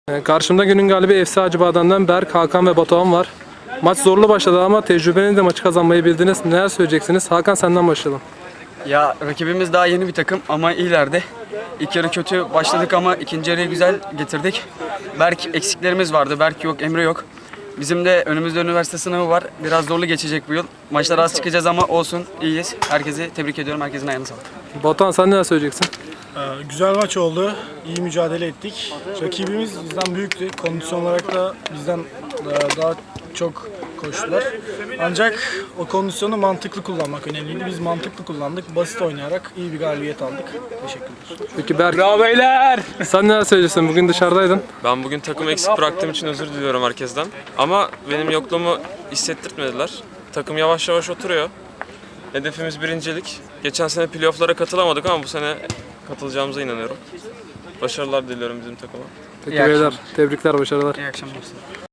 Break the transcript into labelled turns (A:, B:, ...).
A: Karşımda günün galibi FC Acıbadem'den Berk, Hakan ve Batuhan var. Maç zorlu başladı ama tecrübenizle maçı kazanmayı bildiniz. Neler söyleyeceksiniz? Hakan, senden başlayalım.
B: Ya rakibimiz daha yeni bir takım ama iyilerdi. İlk yarı kötü başladık ama ikinci yarıyı güzel getirdik. Berk eksiklerimiz vardı. Berk yok, Emre yok. Bizim de önümüzde üniversite sınavı var. Biraz zorlu geçecek bu yıl. Maçlara az çıkacağız ama olsun, iyiyiz. Herkesi tebrik ediyorum. Herkesin ayağına sağlık.
A: Batuhan, sen neler söyleyeceksin?
C: Güzel maç oldu. İyi mücadele ettik. Rakibimiz bizden büyüktü. Kondisyon olarak da bizden daha çok koştular. Ancak o kondisyonu mantıklı kullanmak önemliydi. Biz mantıklı kullandık. Basit oynayarak iyi bir galibiyet aldık. Teşekkürler.
A: Peki Berk, bravo beyler! Sen neler söyleyeceksin? Bugün dışarıdaydın.
D: Ben bugün takım eksik bıraktığım için özür diliyorum herkesten. Ama benim yokluğumu hissettirtmediler. Takım yavaş yavaş oturuyor. Hedefimiz birincilik. Geçen sene playoff'lara katılamadık ama bu sene katılacağımıza inanıyorum. Başarılar diliyorum bizim takıma.
A: Peki beyler, tebrikler, başarılar.
B: İyi akşamlar.